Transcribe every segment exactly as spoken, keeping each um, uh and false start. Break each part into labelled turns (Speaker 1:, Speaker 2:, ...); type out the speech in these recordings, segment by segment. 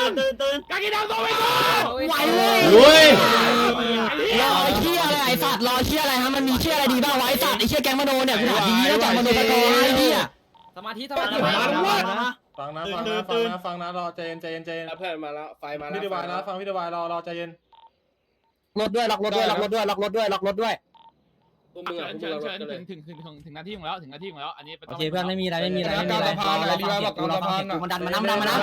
Speaker 1: ตื่นตื่น
Speaker 2: กากินังตัวไปกู
Speaker 3: ไหวเลย
Speaker 4: ลุย
Speaker 3: รอเชี่ยอะไรไอ้สัตว์รอเชี่ยอะไรฮะมันมีเชี่ยอะไรดีบ้างวะไอ้สัตว์ไอ้เชี่ยแกงมโนเนี่ยกูถามดีแล้วแกงมโนตะโกนไอ้เหี้ย
Speaker 2: สมาธิสมาธิ
Speaker 5: ฟังนะฟังนะฟังนะฟังนะรอใจเย็นใจเย็นใจเย็น
Speaker 6: เพื่อนมาแล้วไฟมาแล้ว
Speaker 5: พี่ดีวายนะฟังพี่ดีวายรอรอใจเย็น
Speaker 3: รถด้วยล็อกรถด้วยล็อกรถด้วยล็อกรถด้วยล็อกรถด้วย
Speaker 6: พวกมึง
Speaker 2: เชิ
Speaker 6: อ่ะ
Speaker 2: ญ
Speaker 6: พวก
Speaker 2: เชิ
Speaker 6: มึ
Speaker 2: ญ
Speaker 6: ง
Speaker 2: เชิญถึงถึงถึงถึงนาทีของแล้วถึงนาทีของแล้วอันนี้
Speaker 3: โอเคเพื่อนไม่มีอะไรไม่มีอะไรไม่มีอะไรรอรอฟังเสียงกูรอฟังเสียงกูมันดันมาน้ำดันมาน้ำ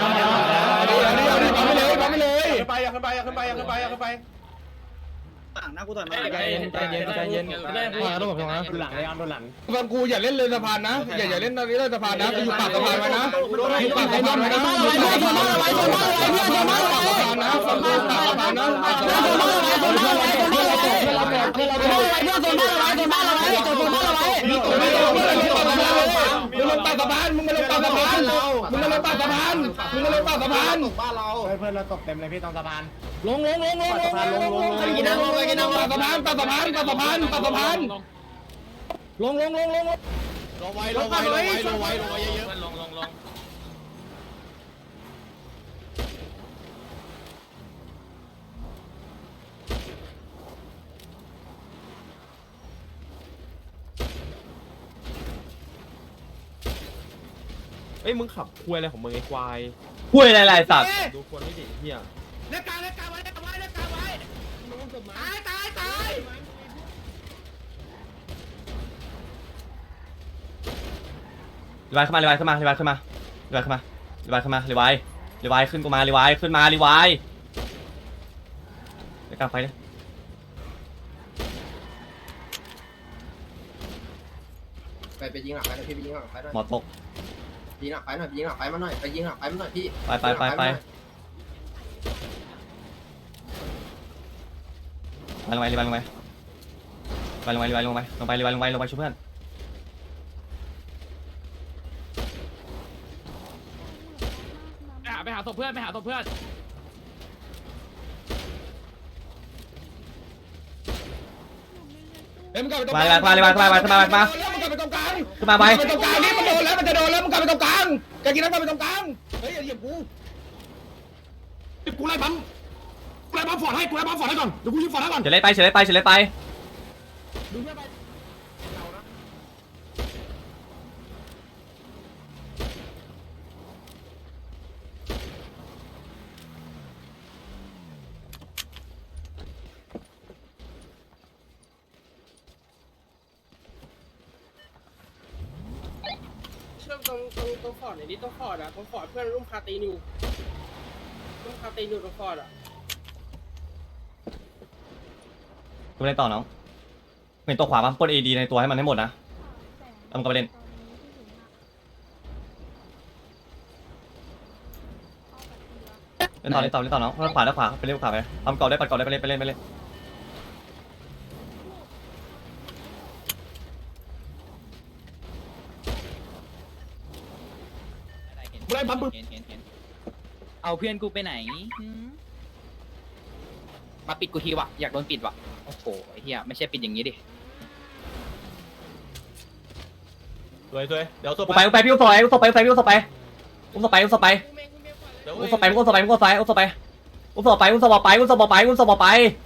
Speaker 5: ไปไม่เลยไปไม่เลยขึ้นไปขึ้นไปขึ้นไปขึ้นไปขึ้นไป
Speaker 1: ต่างนะกูต่อยมา
Speaker 2: ใจเย็นใจเย็นใจเย็น
Speaker 5: ต้องบอกนะ
Speaker 4: หลังไอ้อันโดนหลัง
Speaker 5: ฟังกูอย่าเล่นเลยสะพานนะอย่าอย่าเล่นตอนนี้เลยสะพานนะไปอยู่ปากสะพานไว้นะอยู่ปากสะพานไว้นะอยู่ปากสะพานไว้นะฟังกูปากสะพานนะปากสะพานนะ
Speaker 3: เพื่อนโซนบ้านเราไว้โซนบ้านเราไว้โซนบ้านเราไว้
Speaker 5: มึงไม่ลงมึงลงปากสะพานมึงลงปากสะพานมึงไม่ลงปากสะพานมึงไม่ลงปากสะพานมึงไม่ลงปากสะพาน
Speaker 1: บ้านเรา
Speaker 4: เพื่อนเราตกเต็มเลยพี่ตรงสะพาน
Speaker 3: ลงลงลงลงลงลงลงกินน้ำลงไปกินน้ำ
Speaker 5: ปากสะพานปากสะพานปากสะพานปากสะพาน
Speaker 3: ลงลงลงลง
Speaker 5: ลงไว้ลงไว้ลงไว้ลงไว้ลงไว้เยอะ
Speaker 2: ลงลงลง
Speaker 7: เอ้ยมึงขับคุยอะไรของมึงไอ้ควาย
Speaker 4: คุยอะไรไรสัตว์
Speaker 7: ดูคนไม่ดีเฮีย
Speaker 2: เล็กกาเล็กกาไว้เล็กกาไว้เล็กกาไว้ตายตายตาย
Speaker 4: รีวายขึ้นมารีวายขึ้นมารีวายขึ้นมารีวายขึ้นมารีวายขึ้นมารีวายรีวายขึ้นกูมารีวายขึ้นมารีวายไปกลางไฟเลย
Speaker 6: ไปไปยิงหลังไปพี่ไปยิงหลังไปหน่อย
Speaker 4: หมอตก
Speaker 6: ยิงหลังไปหน่อยยิงหลังไปมาหน่อยไปยิงหลังไปมาหน่อยพี่
Speaker 4: ไปไปไปไปไปลงไปรีวายลงไปไปลงไปรีวายลงไปลงไปรีวายลงไปลงไปช่วยเพื่อน
Speaker 2: ไปหาไปหาศพเพื่อนไปหาศพเพื่อน
Speaker 5: เฮ้ยมึงกลับไปตรง
Speaker 4: มารีวายมารีวายมามามามามา
Speaker 5: มึงกลับไปตรงกลาง
Speaker 4: ขึ้นมาไป
Speaker 5: ไปตรงกลางนี่มันโดนแล้วมันจะโดนแล้วมึงกลับไปตรงกลางแกกินน้ำกลับไปตรงกลางเฮ้ยอย่าเหยียบกูกูไล่ปั๊มกูไล่ปั๊มฟอร์ดให้กูไล่ปั๊มฟอร์ดให้ก่อนเดี๋ยวกูยิงฟอร์ดให้ก่อน
Speaker 4: เฉลยไปเฉลยไปเฉลยไป
Speaker 6: เชื่อมตรงตรงตรงฟอร์ดไหนนี่ตรงฟอร์ดอ่ะตรงฟอร์ดเพื่อนรุ่มคาตีนอยู่รุ่มคาตีนอยู่ตรงฟอร์ดอ่ะ
Speaker 4: กูเล่นต่อน้องเป็นตัวขวาป่ะปล้นเอดีในตัวให้มันให้หมดนะเอามึงกลับไปเล่นเล่นต่อเล่นต่อเล่นต่อน้องขวาแล้วขวาไปเล่นขวาไปทำเก่าได้ปัดเก่าได้ไปเล่นไปเล่นไปเล่น
Speaker 5: กูไล่ปั๊มปึ๊บ
Speaker 3: เอาเพื่อนกูไปไหนมาปิดกูทีวะอยากโดนปิดวะโอ้โหไอ้เหี้ยไม่ใช่ปิดอย่างนี้ดิ
Speaker 7: สวยสวยเดี๋ยวตัว
Speaker 4: กูไปกูไปพี่อุ้มสไปอุ้มสไปอุ้มสไปอุ้มสไปอุ้มสไปอุ้มสไปอุ้มสไปอุ้มสไปอุ้มสไปอุ้มสไปอุ้มสไปอุ้มสไปอุ้มสไปอุ้มสไป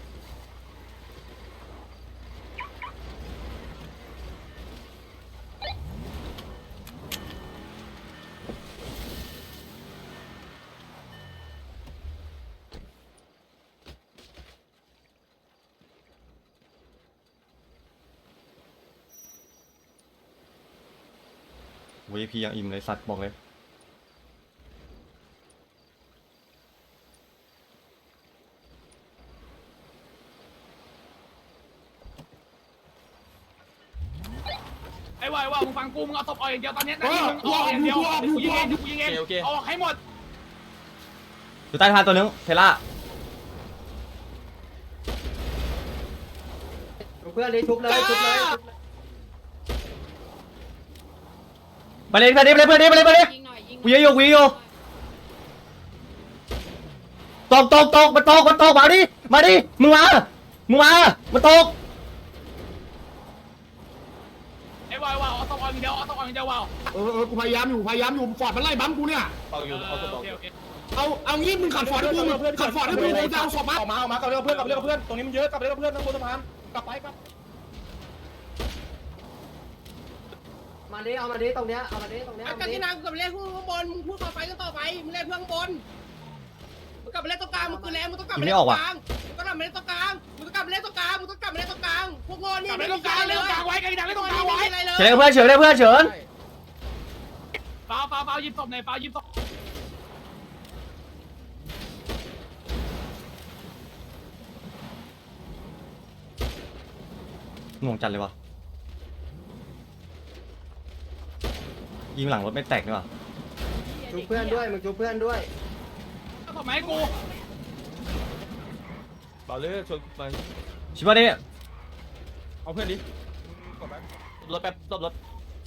Speaker 4: วีพียังอิ่มเลยสัตว์บอกเลย
Speaker 2: ไอ้วายว่ามึงฟังกูมึงเอาศพออกอย่างเดียวตอนนี้นาทีมึงออกอย่างเดียวกูยิงเองกูยิงเองออกให้หมด
Speaker 4: อยู่ใต้สะพานตัวนึงเทล่า
Speaker 6: เพื่อนเลยทุบเลยทุบเลย
Speaker 4: ไปเลยไปเลยไปเลยไปเลยไปเลยไปเลยกูยิงอยู่กูยิงอยู่ตกตกตกมันตกมันตกมาดิมาดิมึงมามึงมามันตก
Speaker 2: ไอ้วายว่าเอาศพออกอย่างเดียวเอาศพออกอย่างเดียวว่า
Speaker 5: เออเออกูพยายามอยู่พยายามอยู่ฟอร์ดมันไล่ปั๊มกูเนี่ย
Speaker 7: เอาอยู่เอาตัว
Speaker 2: โอเคโอเค
Speaker 5: เอาเอางี้มึงขัดฟอร์ดให้กูมึงขัดฟอร์ดให้กูกูจะเอาศพมาออกมาออกมากับเรื่องเพื่อนกับเรื่องเพื่อนตรงนี้มันเยอะกับเรื่องเพื่อนทั้งบนสะพานกลับไปกลับ
Speaker 3: มาดิเอามาดิตรงเนี้ยเอามาดิตรงเนี้ย
Speaker 6: กันที่นางกับเล่นพวกข้างบนมึงพูดต่อไปก็ต่อไปมึงเล่นเพื่อนข้างบนมึงกลับไปเล่นตรงกลางมึงคือแรงมึงต้องกลับไปเล่นตรงกลางมึงต้องกลับไปเล่นตรงกลางมึงต้องกลับไปเล่นตรงกลางมึงต้องกลับไปเล่นตรงกลางพวกโง่นี่
Speaker 2: กลับไปตรงกลางเล่นตรงกลางไว้กันดังเล่นตรงกลางไว้
Speaker 4: เฉินเพื่อนเฉินเพื่อนเฉิน
Speaker 2: เปล่าเปล่าเปล่ายิบศพหน่อยเปล่ายิบศพ
Speaker 4: งงจัดเลยวะยิงหลังรถไม่แตกนี่วะ
Speaker 3: จูเพื่อนด้วยมึงจูเพื่อนด้วย
Speaker 2: ศพไหมกู
Speaker 7: เปล่าเลยชนไป
Speaker 4: ชิบะนี่
Speaker 7: เอาเพื่อนดิรถแป๊บตบรถ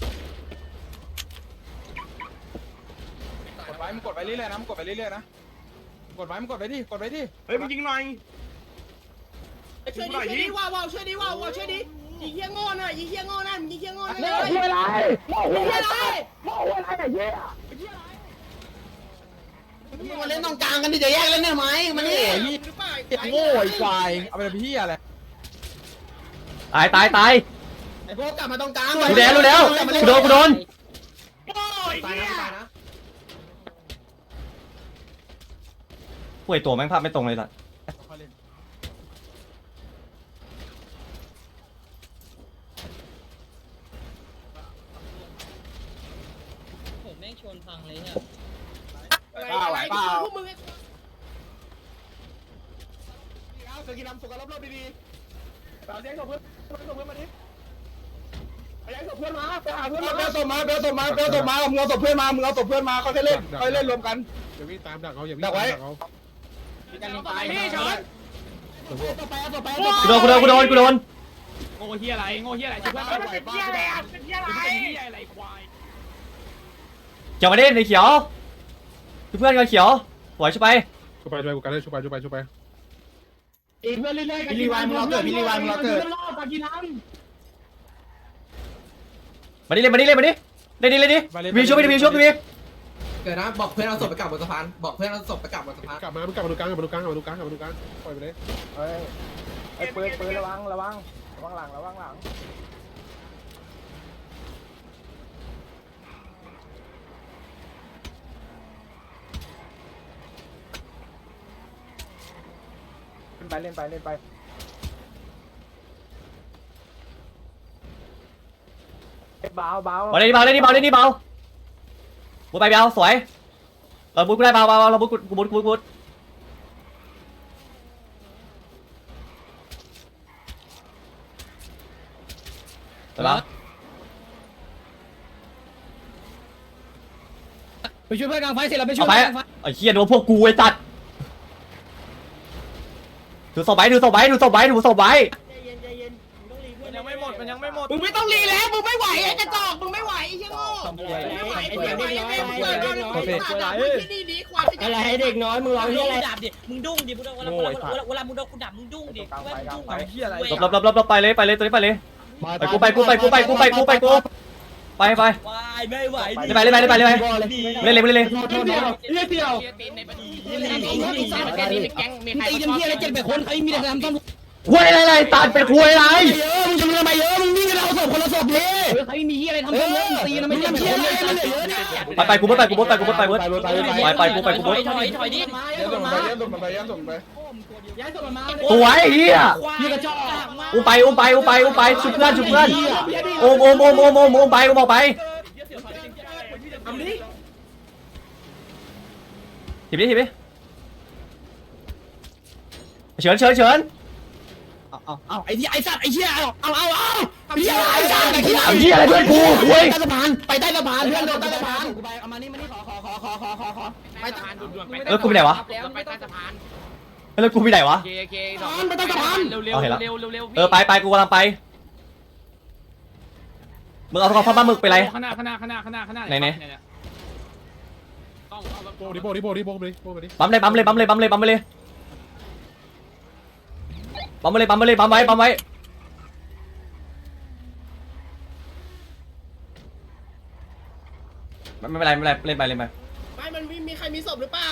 Speaker 5: กดไว้มึงกดไว้เรื่อยๆนะมึงกดไว้เรื่อยๆนะกดไว้มึงกดไว้ดิกดไว้ดิ
Speaker 2: เฮ้ยมึงยิงหน่อย
Speaker 6: ช่วยดิช่วยดิว้าวว้าวช่วยดิว้าวว้าวช่วยดิยิงเหี้ยโง่หน่อยยิงเหี้ยโง่นั่นยิงเหี้ยโง่นั่นเลยยิงอะไรยิงอะไร
Speaker 3: มาเล่นตรงกลางกันดิจะแยกเล่นได้ไหมมันนี่
Speaker 5: โง่ไอ้ควายเอาไปเป็นพี่อะไร
Speaker 4: ตายตายตาย
Speaker 3: ไอ้พวกกลับมาตรงกลาง
Speaker 4: กูแดนรู้แล้วกูโดนกูโดน
Speaker 2: โอ้ย
Speaker 3: ตาย
Speaker 2: เนี่ย
Speaker 3: นะตายนะ
Speaker 4: ป่วยตัวแม่งภาพไม่ตรงเลยสัส
Speaker 3: ผมแม่งชนพังเลยเนี่ย
Speaker 6: อะไรเปล่าพวกมึง
Speaker 5: เอาเสือกินน้ำสุกกันรอบๆดีๆเอาเสียงเพื่อนเพื่อนเพื่อนมาดิเอาเสียงเพื่อนมาไปหาเพื่อนมาเบลส่งมาเบลส่งมาเบลส่งมามึงเอาศพเพื่อนมามึงเอาศพเพื่อนมาเขาจะเล่นเขาเล่นรวมกัน
Speaker 8: อย่าวิ่งตามดักเขาอย่าวิ่ง
Speaker 5: ดักไว้
Speaker 8: ตามเขา
Speaker 2: ศพไหนพี่เฉิน
Speaker 4: กูโดนกูโดนกูโดนกูโดน
Speaker 2: โง่เฮียอะไรโง่เฮียอะไรช่วยเพื่อนเป็นเฮียอะไรอ่ะเป็นเฮียอะไรเป็นเฮียอะไรควาย
Speaker 4: เขียวมาดิในเขียวเพื่อนกันเขียวปล่อยช่วยไป
Speaker 8: ช่วยไปช่วยกูกันเลยช่วยไปช่วยไปช่วยไป
Speaker 5: อีเพื่อนเรื่อยๆพี่รีวายมึงรอเกิดพี่รีวายมึงรอเกิด
Speaker 4: มาดิเล่นมาดิเล่นมาดิเล่นดิเล่นดิวีช่วยไปดิวีช่วยไปดิ
Speaker 3: เกิดนะบอกเพื่อนเอาศพไปกลับบนสะพานบอกเพื่อนเอาศพไปกลับบนสะพาน
Speaker 8: กลับมามึงกลับมาดูกลางกลับมาดูกลางกลับมาดูกลางกลับมาดูกลางปล่อยไปเลย
Speaker 5: เฮ้ยไอ้ปืนปืนระวังระวังระวังหลังระวังหลังเล่นไปเล่นไปเล่นไปเบาเบา
Speaker 4: มาเล่นดิเบาเล่นดิเบาเล่นดิเบาบูไปเบาสวยเราบูกูได้เบาเบาเราบูกูกูบูกูบูแต่ละ
Speaker 3: ไปช่วยเพื่อนกลางไฟเสร็จแล้วไปช่ว
Speaker 4: เอา
Speaker 3: ย
Speaker 4: ไปไอ้เหี้ยโดนพวกกูไอ้ตัดถือศพไว้ถือศพไว้ถือศพไว้ถือศพไว้
Speaker 2: มันยังไม่หมดมันยังไม่หมด
Speaker 6: มึงไม่ต้องรีแล้วมึงไม่ไหวไอ้กระจอกมึงไม่ไหวไอ้เหี้ยโง่ไม่ไหวไอ้เด็กน้อยไอ้เด็กน้อยไอ้เด็กน้อยไอ้สัตว์ที่นี่ดีกว่า
Speaker 3: อะไรให้เด็กน้อยมึงรอที่อะไร
Speaker 9: ดับดิมึงดุ้งดิมึงเวลาเวลาเวลามึงโดนกูดับมึงดุ้งดิว่ามึงดุ้งอะไร
Speaker 4: หลบหลบหลบหลบไปเลยไปเลยตัวนี้ไปเลยไปกูไปกูไปกูไปกูไปกูไปกูไปไป
Speaker 9: วายไม่ไหว
Speaker 4: ไปเลยไปเลยไปเลยไปเลยไปเลย
Speaker 5: เรียกเดียว
Speaker 3: ตีกันที่อะไรเจ็ดแปดคนใครมีแต่ทำต้อง
Speaker 4: คุยอะไรตัดเป็นคุยอะไร
Speaker 3: เยอะมึงจะมีทำไมเยอะมึงวิ่งกันเอาศพคนละศพเลยใครมีที่อะไรทำต้องเยอะตีนะไม่ใช่เยอะเลยเยอะเนี่ย
Speaker 4: ไปไปกูไปกูไปกูไปกูไปกูไปไปกูไปกู
Speaker 9: ถอยถอยถอยดิ
Speaker 5: เดี๋ยวส่งไปเดี๋ยวส่งไปเดี๋ยวส่งไป
Speaker 3: ย้ายศพมา
Speaker 4: ตัวไอ้เหี้ย
Speaker 3: พี่กระจอก
Speaker 4: อุ้มไปอุ้มไปอุ้มไปอุ้มไปชุบเพื่อนชุบเพื่อนโอมโอมโอมโอมโอมโอมไปโอมออกไปถีบดิถีบดิเฉินเฉินเฉิน
Speaker 3: เอาเอาไอ้ที่ไอ้สัตว์ไอ้เชี่ยเอาเอาเอาเอาไอ้เชี่ยไอ้สัตว์ไอ้เชี่ย
Speaker 4: ไอ้เหี้ยอะไรเพื่อนกูคุย
Speaker 3: ใต้สะพานไปใต้สะพานเพื่อนโดนใต้สะพานกูไปเอามานี่มานี่ขอขอขอขอขอขอขอ
Speaker 2: ไปสะพานด่วนๆไป
Speaker 4: แล้วกูไปไหนวะ
Speaker 2: ไปใต้สะพาน
Speaker 4: แล้วกูไปไหนวะ
Speaker 2: โอเคโอเคไปใต้สะพานเร็วเร็วเร็วเร็วเร็ว
Speaker 4: เออไปไปกูกำลังไปมึงเอาข้าวปลาหมึกไปไร
Speaker 2: ข้างหน้าข้างหน้าข้างหน้าข้างหน้าข้างหน้าต้อง
Speaker 8: โบดิโบดิโบดิโบดิโบดิ
Speaker 4: ปั๊มเลยปั๊มเลยปั๊มเลยปั๊มเลยปั๊มไปเลยปั๊มไปเลยปั๊มไปเลยปั๊มไว้ปั๊มไว้ไม่เป็นไรไม่เป็นไรเล่นไปเล่นไป
Speaker 6: ไม่ให้มันมีใครมีศพหรือเปล่า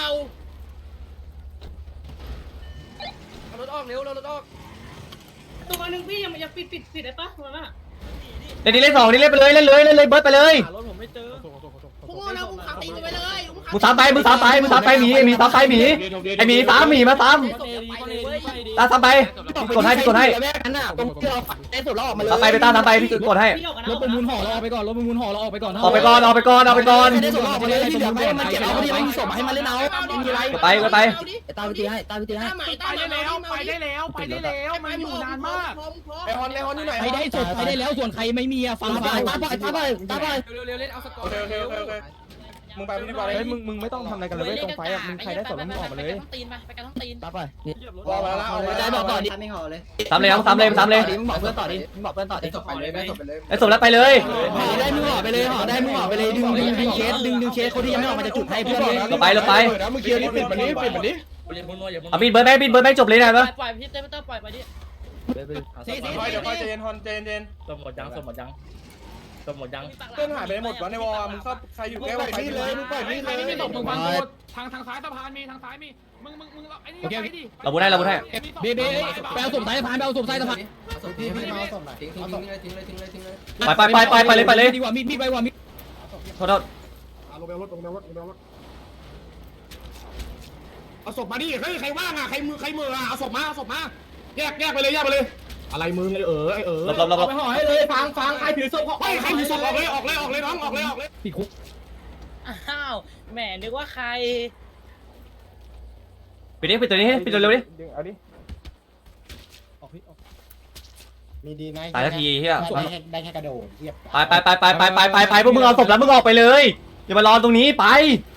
Speaker 6: เอารถออกเร็วเรารถออกตัวนึงพี่ยังยังปิดปิดปิดได้ปะตัวน่ะ
Speaker 4: เล่นดิเล่นสองดิเล่นไปเลยเล่นเลยเล่นเลยเบิร์ดไปเลย
Speaker 7: รถผมไม่เจอ
Speaker 6: พวกโง่นะมึงขาตีกันไปเลย
Speaker 4: มึงสามไปมึงสามไปมึงสามไปหมีไอหมีสามไปหมีไอหมีสามหมีมาสามตาสามไปพี่กดให้พี่กดให้
Speaker 3: แม่กันน่ะตรงที่เราเต้นสุดเราออกมาเลย
Speaker 4: สามไปไปตาสามไปพี่กดให้
Speaker 3: รถประมูลห่อเราออกไปก่อนรถประมูลห่อเราออกไปก่อน
Speaker 4: ออกไปก่อนออกไปก่อนออกไปก่อน
Speaker 3: ได้สุดเราออกมาเลยที่เหลือไม่มันเก็บเอาพอดีไม่มีศพให้มันเล่นเอาไม่มีไร
Speaker 4: กดไปกดไป
Speaker 3: ตามไปตีให้ตามไปตีให้
Speaker 2: ไปได้แล้วไปได้แล้วไปได้แล้วมันอยู่นานมาก
Speaker 5: ไอฮอนไอฮอนนี่ไหน
Speaker 3: ใครได้ศพใครได้แล้วส่วนใครไม่มีอะฟังฟังตาบ่อยตาบ่อยตาบ่อย
Speaker 2: เร็วเร็วเล่นเอาสกอ
Speaker 5: โอ
Speaker 2: ร์
Speaker 5: เคโอเคโอเคโอเคมึงไปพี่ดีกว่าเลย
Speaker 7: เฮ้ยมึงมึงไม่ต้องทำอะไรกันเลยเว้ยตรงไฟอ่ะมึงใครได้สดแล้วมึงออกมาเลย
Speaker 9: ตีนไปไปกันต้องตีน
Speaker 3: ตาบ่อย
Speaker 5: รอมาแล้วเอาเลย
Speaker 3: ได้บอกต่อดิ
Speaker 1: ไม่ห่อเลย
Speaker 4: สามเลยน้องสามเลยสามเลย
Speaker 3: มึงบอกเพื่อนต่อดิมึงบอกเพื่อนต่อดิ
Speaker 1: จบไปเลยไม่จบไปเลย
Speaker 4: ไอสมแล้วไปเลย
Speaker 3: ห่อได้มึงห่อไปเลยห่อได้มึงห่อไปเลยดึงดึงดึงเคสดึงดึงเคสคนที่ยังไม่ออกมาจากจุดให้เพื่อนเลย
Speaker 4: เราไปเราไป
Speaker 5: นะมึงเคลียร์นี่ปิดมันนี้ปิดมันนี้
Speaker 4: เอาบินเบิร์ดไหมบินเบิร์ดไหมจบเลยนะ
Speaker 9: ปล่
Speaker 4: ปะ
Speaker 9: อยปล่อยพี่เต้ไม่ต้องปล่อยไปดิ
Speaker 5: เดี๋ยวค่อยเจนฮอนเจนเจน
Speaker 9: สมหมดยังสมหมดยังสมหมดยัง
Speaker 5: เพื่อนหายไปหมดวะในวอลมึงเข้าใครอยู่แก้วไปนี่เลยมึงปล่อยนี่
Speaker 2: ใคร
Speaker 5: เล
Speaker 2: ไม่มี
Speaker 5: ย
Speaker 2: ศพมึงฟังกูทางทางซ้ายสะพานมีทางซ้ายมีมึงมึงมึงไอ้นี่ไปดิ
Speaker 4: เราบุญให้เราบุญให้
Speaker 3: เบเบไปเอาศพสายพานไปเอาศพสายสะพาน
Speaker 1: พี่พี่มาเอาศพหน่อยทิ้งทิ้งทิ้งเลยทิ้งเลยทิ้งเลยทิ้งเลย
Speaker 4: ไปไปไปไปไปเลยไปเลย
Speaker 3: ดีกว่ามีดมีดไปกว่ามีด
Speaker 4: โทษโทษ
Speaker 8: ลงไปรถลงไปรถลงไปรถ
Speaker 5: เอาศพมาดิเฮ้ยใครว่างอ่ะใครมือใครมืออ่ะเอาศพมาเอาศพมาแยกแยกไปเลยแยกไปเลยอะไรมึงเลยเออไอเออ
Speaker 4: หลบหลบหลบหลบ
Speaker 5: ไปห่อให้เลยฟังฟังใครถือศพเฮ้ยใครถือศพออกเลยออกเลยออกเลยน้องออกเลยออกเลย
Speaker 3: ติดคุก
Speaker 9: อ้าวแหมนึกว่าใคร
Speaker 4: ปิดนี้ปิดตัวนี้ให้ปิดตัวเร็วดิ
Speaker 7: ดึงเอาดิ
Speaker 1: มีดีไหม
Speaker 4: ตายทันทีเฮีย
Speaker 1: ได้แค่ได้แค่กระโดดเทียบ
Speaker 4: ไปไปไปไปไปไปไปไปพวกมึงเอาศพแล้วมึงออกไปเลยอย่ามารอตรงนี้ไป
Speaker 1: ไ